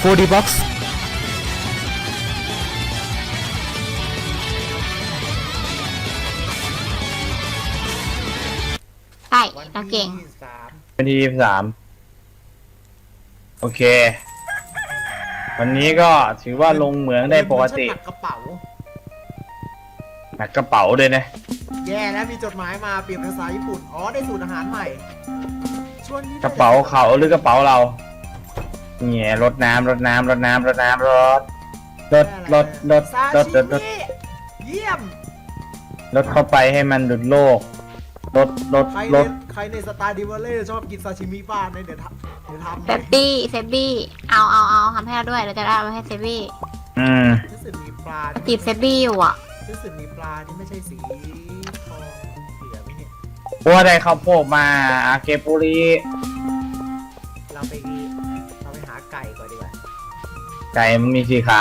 4D Box ใช่เราเก่งวันที่23โอเควันนี้ก็ถือว่าลงเหมืองได้ปกติหนักกระเป๋าหนักกระเป๋าเลยนะแย่แล้วมีจดหมายมาเปลี่ยนภาษาญี่ปุ่นอ๋อได้สูตรอาหารใหม่ช่วงนี้กระเป๋าเขาหรือกระเป๋าเราเนี่ยรถน้ำรถน้ำรถน้ำรถน้ำรถรถรถรถซารถชิรถรถมิเยี่ยมรถเข้าไปให้มันหลุดโลกรถรถใครรในถใครในสตาร์ดิวเล่ชอบกินซาชิมิบ้านเนี่ยเดี๋ยวทำเซฟบี้เอาทำให้เราด้วยเราจะได้เอาไปให้เซฟบี้รู้สึกมีปลาจีบเซฟบี้อยู่อ่ะรู้สึกมีปลาที่ไม่ใช่สีทองเหลืองเนี่ยว่าได้ข้าวโพดมาอาเกปุริเราไปหาไก่ก่อนดีกว่าไก่มันมีสี่ขา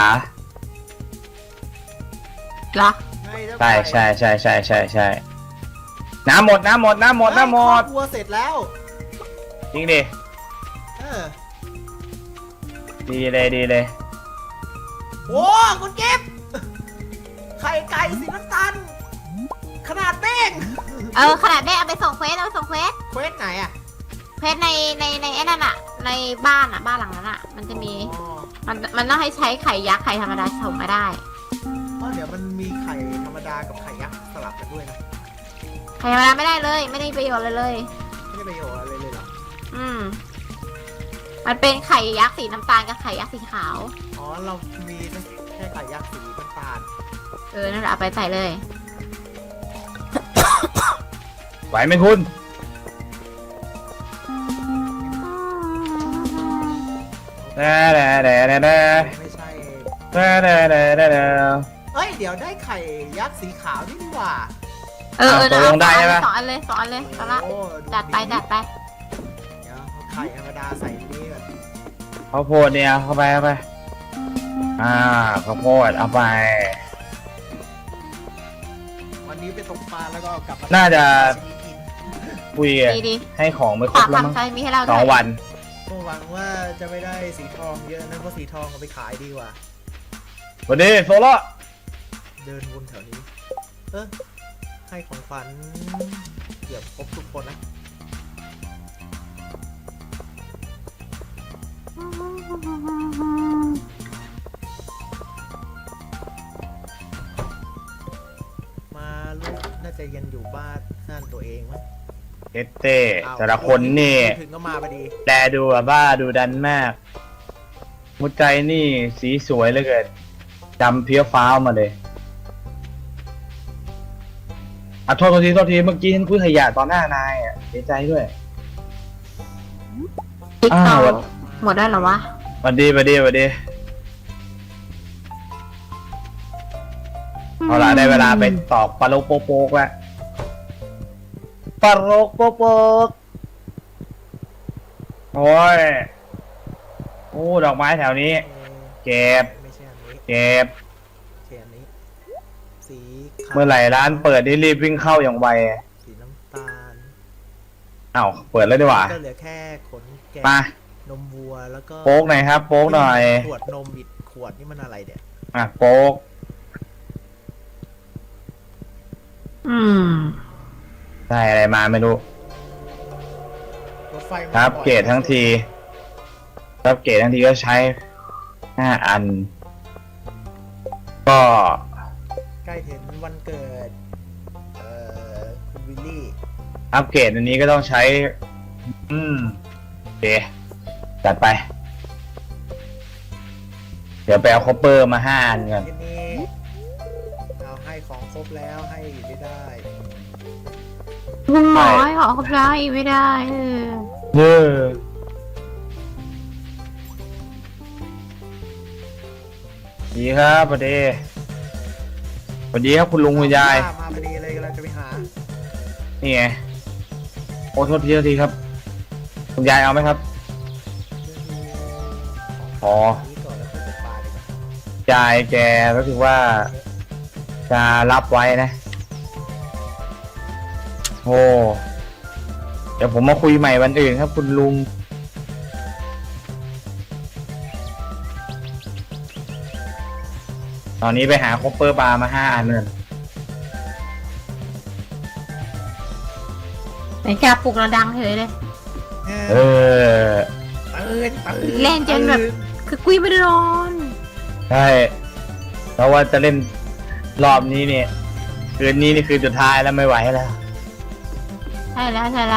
เหรอใช่ใช่ใช่ใช่ใช่ใช่น้ำหมดน้ำหมดน้ำหมดน้ำหมดวัวเสร็จแล้วจริงดิเออดีเลยดีเลยโอ้คุณเก็บไข่ไก่สีน้ำตาลขนาดเป้งขนาดได้เอาไปส่งเควสเควสไหนอ่ะเควสในไอ้นั่นอ่ะในบ้านหลังนั้นอ่ะมันจะมีอ๋อมันต้องให้ใช้ไข่ยักษ์ไข่ธรรมดาส่งมาได้อ๋อเดี๋ยวมันมีไข่ธรรมดากับไข่ยักษ์สลับกันด้วยนะไข่ธรรมดาไม่ได้เลยไม่ได้ประโยชน์เลยไม่ได้ประโยชน์อะไรเลยเหรอมันเป็นไข่ยักษ์สีน้ำตาลกับไข่ยักษ์สีขาวอ๋อเรามีแค่ไข่ยักษ์สีน้ำตาลนั่นแหละเอาไปใส่เลยไหวไหมคุณแด่แด่แด่แด่แด่ไม่ใช่แด่แด่แด่แด่แด่เอ้ยเดี๋ยวได้ไข่ยักษ์สีขาวนี่ดีกว่าตกลงได้ใช่ไหมสองอันเลยตอนละโอ้จัดไปเดี๋ยวเอาไข่ธรรมดาใส่นี่ก่อนข้าวโพดเนี่ยเข้าไปเข้าไปข้าวโพดเอาไปวันนี้ไปตกปลาแล้วก็กลับมาน่าจะกินคุยดีให้ของไม่ครฝาบกแล้วมั้งทำใช้มีให้เราสด้อวงยวันก็หวังว่าจะไม่ได้สีทองเยอะนะเพราะสีทองเอาไปขายดีกว่าสวัสดีโซโล่เดินวนแถวนี้ ให้ของขวัญเกือบครบทุกคนนะมาลูกน่าจะยังอยู่บ้านตัวเองมั้งเอสเต้แต่ละคนนี่ถึงก็มาพอดีแลดูแบบว่าดูดันมากหัวใจนี่สีสวยเหลือเกินจำเพี้ยวฟ้าวมาเลยโทษทีเมื่อกี้ฉันคุยขยะตอนหน้านายเสียใจด้วยติ๊กอ้าวหมดได้เหรอวะสวัสดีเอาล่ะได้เวลาไปตอกปลาโลกโป๊กแล้วปลาโลกโป๊กโอ้ยโอ้ดอกไม้แถวนี้ เก็บไม่ใช่อันนี้เก็บเขียนนี้ สีขาวเมื่อไหร่ร้านเปิดนี่รีบวิ่งเข้าอย่างไวสีน้ำตาลอ้าวเปิดแล้วดีกว่าก็เหลือแค่ขนแกะมานมวัวแล้วก็โป๊กหน่อยครับโป๊กหน่อยขวดนมอีกขวดนี่มันอะไรเนี่ยโป๊กได้อะไรมาไม่รู้รถไฟมาครับบ่อยเกรดทั้งทีครับเกรดทั้งทีก็ใช้5 อัน ก็ใกล้ถึงวันเกิดคุณวิลลี่อัปเกรดอันนี้ก็ต้องใช้โอเคจัดไป เดี๋ยวไปเอาคอปเปอร์มา5 อันก่อนที่นี่เอาให้ของครบแล้วให้ไม่ได้หมอให้ขอครบได้ไม่ได้เย้ดีครับสวัสดีครับคุณลุงคุณยายมาพอดีเลยกำลังจะไปหานี่ไงโอ้โทษทีครับคุณยายเอาไหมครับพอนี้ก่อนแล้วค่อยตกปลาดีกว่ายายแกก็คือว่าจะรับไว้นะโอ้เดี๋ยวผมมาคุยใหม่วันอื่นครับคุณลุงตอนนี้ไปหาคอปเปอร์บาร์มา5 อันเลยไหนแกปลุกเราดังเฉยเลยเออตื่นเล่นจนแบบคือกุยไม่ได้นอนใช่แล้วว่าจะเล่นรอบนี้เนี่ยคืนนี้นี่คือสุดท้ายแล้วไม่ไหวแล้วใช่แล้วใช่แล้ว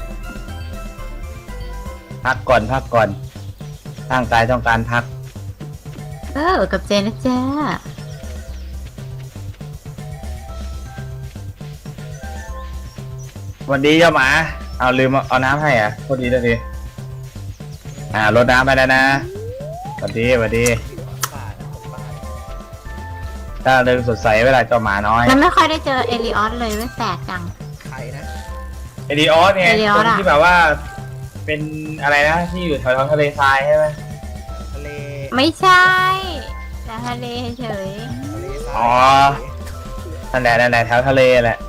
พักก่อนร่างกายต้องการพักกับเจนนะจ๊ะวันดีเจ้าหมาเอาลืมเอาน้ำให้อ่ะโทษดีเลยรดน้ำไปแล้วนะสวัสดีถ้าเริงสดใสเวลาเจ้าหมาน้อยมันไม่ค่อยได้เจอเอลิออสเลยไม่แปลกจังใครนะเอริออสไงเอริอคอสนอะที่แบบว่าเป็นอะไรนะที่อยู่แถวๆทะเลทรายใช่ไหมทะเลไม่ใช่แต่ทะเลเฉยทะเลทรายอ๋อ นั่นแหละแถวทะเลแหละ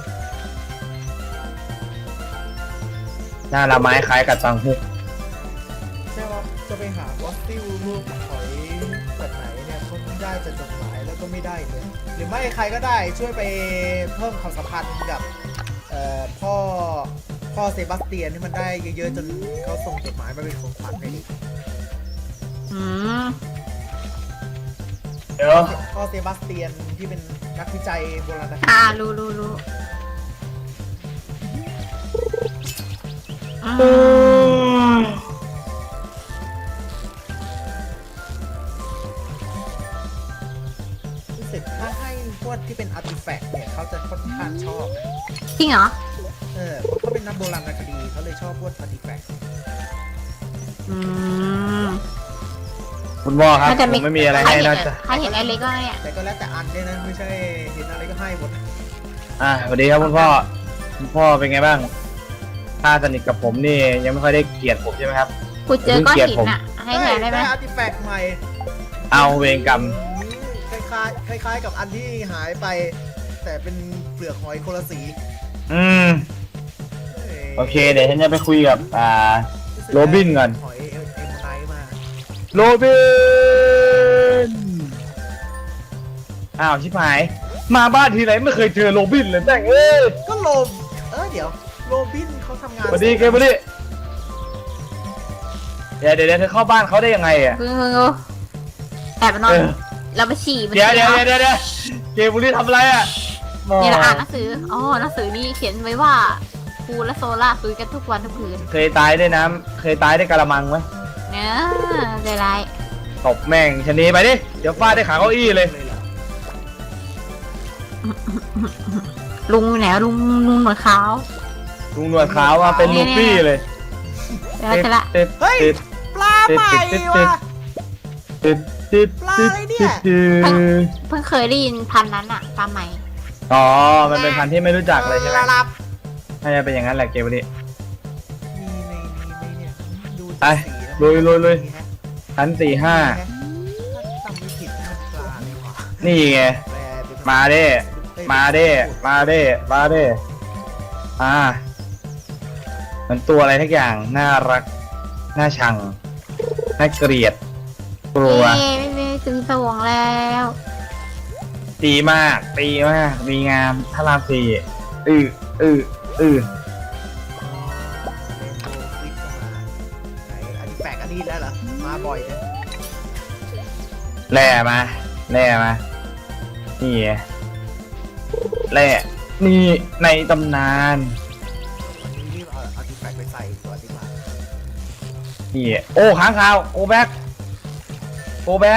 หน้าละไม้คล้ายกับตังฮุกใช่ว่าจะไปหาฟอสซิลรูปหอยแบบไหนเนี่ยเขาได้จากจดหมายแล้วก็ไม่ได้เลยหรือไม่ใครก็ได้ช่วยไปเพิ่มความสัมพันธ์กับพ่อเซบาสเตียนที่มันได้เยอะๆจนเขาส่งจดหมายมาเป็นของขวัญให้ดิอืมเดี๋ยวพ่อเซบาสเตียนที่เป็นนักวิจัยโบราณคดีรู้อืมรู้สึกถ้าให้พวกที่เป็นอาร์ติแฟกต์เนี่ยเขาจะค่อนข้างชอบนะจริงเหรอเพราะเขาเป็นนักโบราณคดีเขาเลยชอบพวกอาร์ติแฟกต์อืมคุณพ่อครับมันจะผมไม่มีอะไรให้นอกจากใครเห็นไอเล็กก็เนี่ยแต่ก็แล้วแต่อันด้วยนะไม่ใช่เห็นอะไรก็ให้หมดสวัสดีครับคุณพ่อเป็นไงบ้างถ้าสนิทกับผมนี่ยังไม่ค่อยได้เกลียดผมใช่ไหมครับกูเจอก้อนหินอ่ะ ให้แทนได้ไหมอาร์ติแฟกต์ใหม่เอาเวรกรรมคล้ายๆกับอันที่หายไป แต่เป็นเปลือกหอยคนละสีโอเคเดี๋ยวฉันจะไปคุยกับโรบินก่อนหอยเอมไนท์มาโรบินอ้าวชิบหายมาบ้านทีไรไม่เคยเจอโรบินเลยแม่งเอ้ยก็เดี๋ยวโรบินเขาทำงานสวัสดีเกมบุรีเดี๋ยวเธอเข้าบ้านเขาได้ยังไงอ่ะเพิ่งแอบไปนอน เราไปฉี่มันเดี๋ยวเกมบุรีทำอะไรอ่ะนี่เราอ่านหนังสือหนังสือนี่เขียนไว้ว่าครูและโซล่าคุยกันทุกวันทุกคืนเคยตายด้วยน้ำเคยตายด้วยกะละมังไหมเนื้อใจร้ายตบแม่งชะนีไปดิเดี๋ยวฟาดได้ขาเก้าอี้เลยลุงไหนลุงหนวดขาวลุงหนวดขาวมาเป็นลูฟี่เลยเดี๋ยวจะละติดเฮ้ยติดปลาใหม่ว่ะติดติดปลาอะไรเนี่ยเพิ่งเคยได้ยินพันนั้นอะปลาใหม่อ๋อมันเป็นพันธุ์ที่ไม่รู้จักเลยใช่ไหมรับน่าจะเป็นอย่างนั้นแหละเกมนี้มีในนี้เนี่ยดูไปจากสีแล้วลุย พัน4-5 ถ้าจำไม่ผิดมันปลาเลยว่ะนี่ไงแปลเป็นมาเด้มาเด้มันตัวอะไรทักอย่างน่ารักน่าชังน่าเกลียดกลัวไม่ถึงสวงแล้วดีมากดีงามพระราม4 เรนโบว์ฟลิปก็มาไหนอันนี้แปลกอันนี้แล้วเหรอมาบ่อยเลยแร่มานี่ไงแร่นี่ในตำนานวันนี้รีบเอาอาร์ติแฟกต์ไปใส่ตัวดีกว่านี่โอ้ค้างคาวโกแบ็กฟิต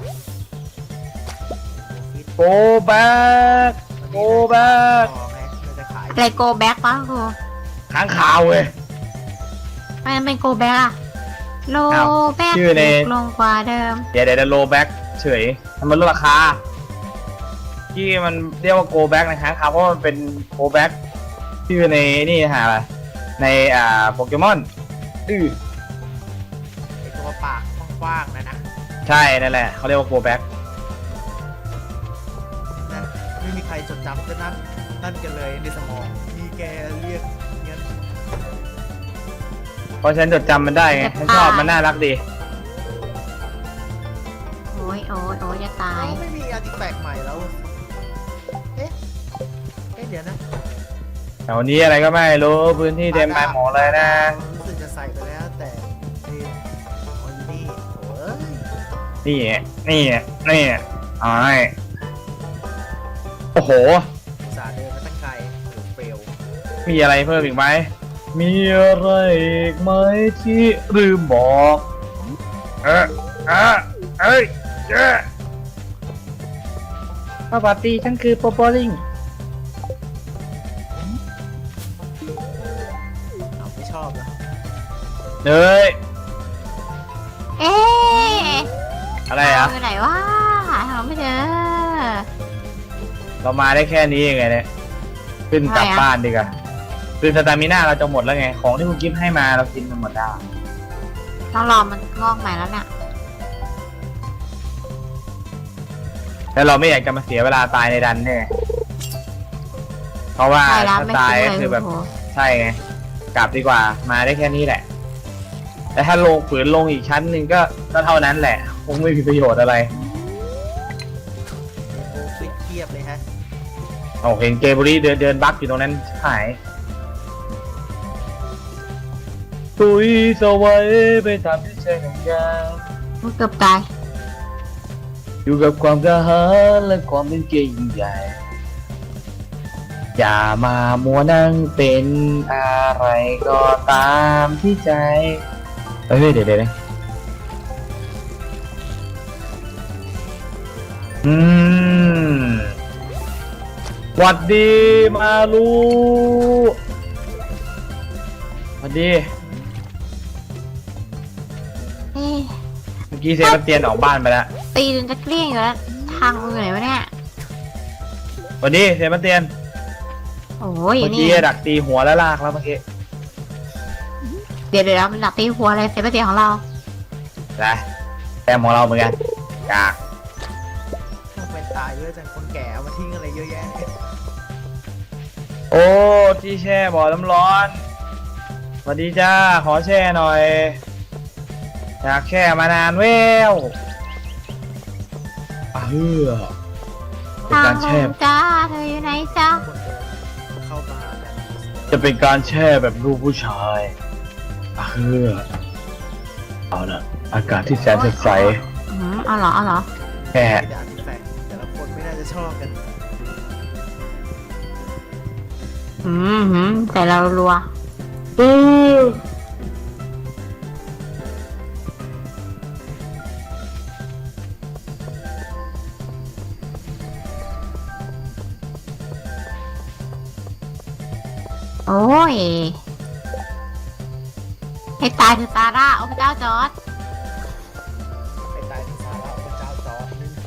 โกแบ็กต่อไงเราจะขายอะไรโกแบ็กปะครูค้างคาวเว้ยไม่เป็นโกแบ็กอะโลอ้าวแบ็กชื่อในถูกลงกว่าเดิมเดี๋ยวโลแบ็กเฉยทำมันลดราคาที่มันเรียกว่าโกแบ็กนะค้างคาวเพราะมันเป็นโกแบ็กชื่อในนี่หาอะไรในโปเกมอนไอตัวปากกว้างๆนะใช่นั่นแหละเขาเรียกว่าโกแบ็กนะไม่มีใครจดจำจะนั่นกันเลยในสมองมีแกเรียกเงี้ยเพราะฉันจดจำมันได้ไงฉันชอบมันน่ารักดีโอ้ยจะตายไม่มีอาร์ติแฟกต์ใหม่แล้ว เอ๊ะเดี๋ยวนะแถวนี้อะไรก็ไม่รู้พื้นที่เต็มไปหมดเลยนะรู้สึกจะใส่ไปแล้วแต่นี่อ๋ออยู่นี่โอ้ยนี่นี่นี่อ้ายโอ้โหอุตส่าห์เดินมาตั้งไกลโอ้เฟลมีอะไรเพิ่มอีกไหมมีอะไรอีกไหมที่ลืมบอกเอ้ยเจ้สวัสดีฉันคือโปโปลิงเอาไม่ชอบแล้วเนยเอ๊ะอะไรอ่ะอยู่ไหนวะหาไม่เจอเรามาได้แค่นี้เองไงเนี่ยขึ้นกลับทำไมอะบ้านดีกว่าคือสตามิน่าเราจะหมดแล้วไงของที่คุณกิฟต์ให้มาเรากินมันหมดแล้วต้องรอมันงอกใหม่แล้วเนี่ยแล้วเราไม่อยากจะมาเสียเวลาตายในดันเนี่ยเพราะว่าใช่แล้วถ้าไม่ตายคุ้มก็เลยคือแบบโอ้โหใช่ไงกลับดีกว่ามาได้แค่นี้แหละแต่ถ้าลงฝืนลงอีกชั้นหนึ่งก็เท่านั้นแหละคงไม่มีประโยชน์อะไรโอ้ฟิตเทียบเลยฮะเอาเห็นเกเบอรี่เดินบักอยู่ตรงนั้นหายตุยสวัยไปตามที่ใจของยามันเกือบตายอยู่กับความกระหายและความเป็นเกย์ยิ่งใหญ่ อย่ามามัวนั่งเป็นอะไรก็ตามที่ใจเฮ้ยเดี๋ยวหวัดดีมาลูหวัดดีเอ๊ะเมื่อกี้เซบาสเตียนออกบ้านไปแล้วตีจนจะเกลี้ยงอยู่แล้วทางมือไหนวะเนี่ยหวัดดีเซบาสเตียนโอ้ยเมื่อนี่กี้ดักตีหัวแล้วลากแล้วเมื่อกี้เดี๋ยวมันหนักตีหัวอะไรเซฟเตียของเรานะแต้มของเราเหมือนกันกากต้องเป็นตายเยอะจังคนแก่เอามาทิ้งอะไรเยอะแยะเนี่ยโอ้ที่แช่บ่อน้ำร้อนสวัสดีจ้าขอแช่หน่อยอยากแช่มานานแววเป็นทางการขแช่องจ้าเธออยู่ไหนจ้าคนเดินเข้ามาแบบจะเป็นการแช่แบบลูกผู้ชายเอานะอากาศที่แสนสดใสเอาเหรอแช่ไม่ด่าที่แฟกต์แต่ละคนไม่น่าจะชอบกันแต่เรารัว โอ้ย ให้ตายเถอะซาร่าโอ้พระเจ้าจอร์ดไปตายที่สาระพระเจ้าจอร์ดนึง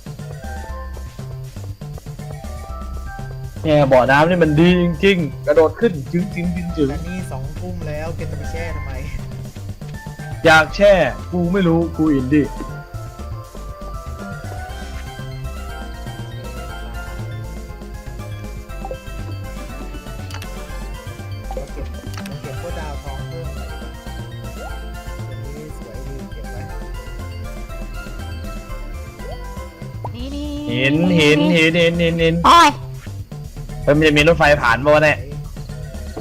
เนี่ยบ่อน้ำนี่มันดีจริงๆกระโดดขึ้นจึงแต่นี่2 ทุ่มแล้วแกจะไปแช่ทำไมอยากแช่กูไม่รู้กูอินดี้เราเก็บพวกดาวทองเพิ่มหน่อยดีกว่านี่สวยดีเก็บไว้นี่หินโอ้ยมันจะมีรถไฟผ่านบ่วะเนี่ยโอ้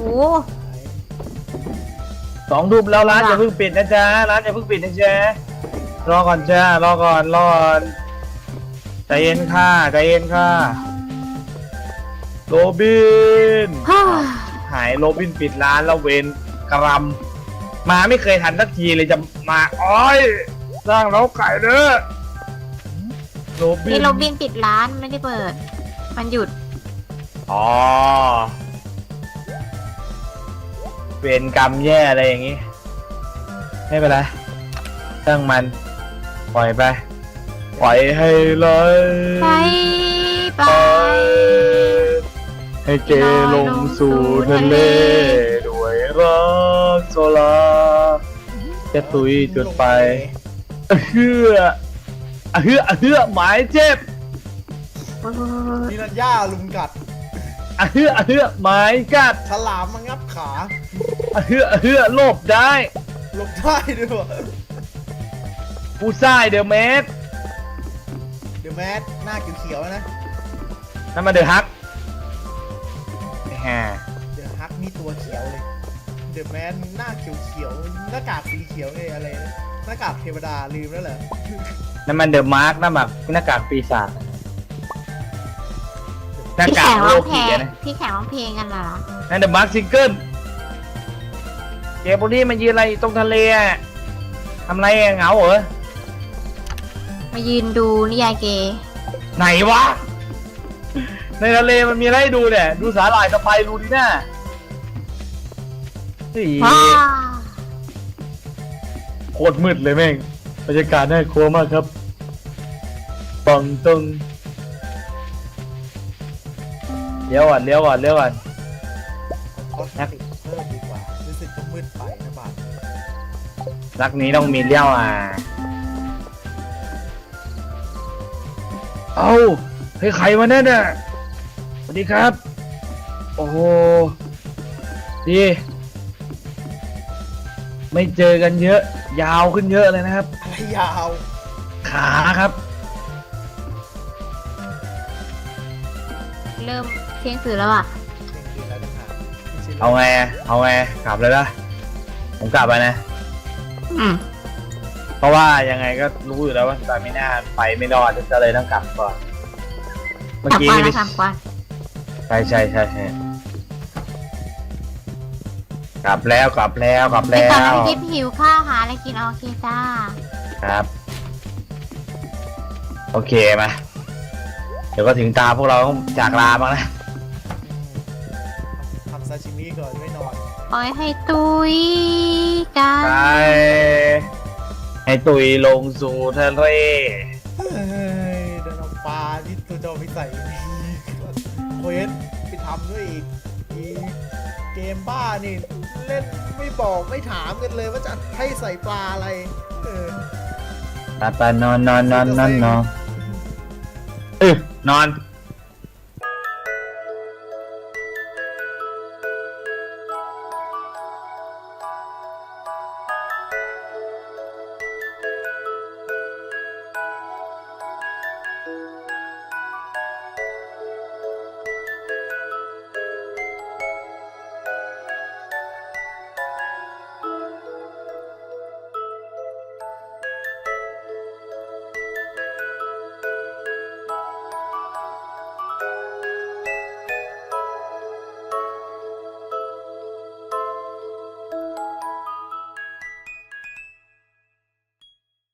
2 ทุ่มแล้วร้านอย่าเพิ่งปิดนะจ๊ะร้านอย่าเพิ่งปิดนะจ๊ะรอก่อนจ้ารอก่อนใจเย็นค่ะโรบินฮ่าหายโรบินปิดร้านแล้วเวนกรัมมาไม่เคยทันสักทีเลยจะมาอ้อยสร้างเล้าไก่เด้อโรบินี่นโรบินปิดร้านไม่ได้เปิด มันหยุดอ๋อเวรกรรมแย่อะไรอย่างงี้ไม่เป็นไรตั้งมันปล่อยไปปล่อยให้ไหลไปไปให้เกลงสู่ทะเลด้วยรักโซลาจะตุยจุดไปเฮือหมายเจ็บนี่รัญญาลุมกัดเฮือหมายกัดฉลามมางับขาเฮือโลบได้หลบได้ด้วยวะผู้ซ่ายเดอะเมสเดอะแมสหน้าเขียวๆนะนั่นมาเดอะฮักแฮเดอะฮักนี่ตัวเขียวเลย เดอะแมสหน้าเขียวๆหน้ากากสีเขียวไงอะไรนะหน้ากากเทวดาลืมแล้วเหรอนั่นมันเดอะมาร์กนั่นแบบหน้ากากปีศาจหน้าที่กาแข่กงโลร้องเพลกีงนะที่แข่งร้องเพลงกันเหรอนั่นเดอะมาร์กซิงเกิลเจโบลี่มันยืนอะไรตรงทะเลอะทำไรอะเหงาเหรอมายืนดูนิยายเกย์ไหนวะ ในทะเลมันมีอะไรให้ดูเนี่ย ดูสาหร่ายสไปรูดีน่าเฮ้ยว้าโคตรมืดเลยแม่งบรรยากาศน่ากลัวมากครับปังตึงเลี้ยวก่อนคอสติกเพิ่มดีกว่ารู้สึกจะมืดไปนะบาทรักนี้ต้องมีเลี้ยวเอ้าเฮ้ยใครมาเนี่ยสวัสดีครับ โอ้โหดีไม่เจอกันเยอะ ยาวขึ้นเยอะเลยนะครับอะไรยาวขาครับเริ่มเที่ยงคืนแล้วอ่ะเที่ยงคืนแล้วนะฮะไม่ใช่เอาไงกลับเลยละผมกลับไปนะอืมเพราะว่ายังไงก็รู้อยู่แล้วว่าสตาร์มิน่าไปไม่รอดจะเลยต้องกลับก่อน เมื่อกลับกี้ก่อนนี่นะกลับก่อนใช่กลับแล้วไปตอนนั้นทิพย์หิวข้าวหาอะไรกินโอเคจ้าครับ โอเคมาเดี๋ยวก็ถึงตาพวกเราต้องจากลาบ้างนะทำซาชิมิก่อนไม่นอนปล่อยให้ตุยกันไปให้ตุยลงสู่ทะเลเฮ้ยเดินเอาปลาที่ตัวเจ้าไปใส่นี่เควสไปทำด้วยอีกเกมบ้านี่เล่นไม่บอกไม่ถามกันเลยว่าจะให้ใส่ปลาอะไรไปนอนนอน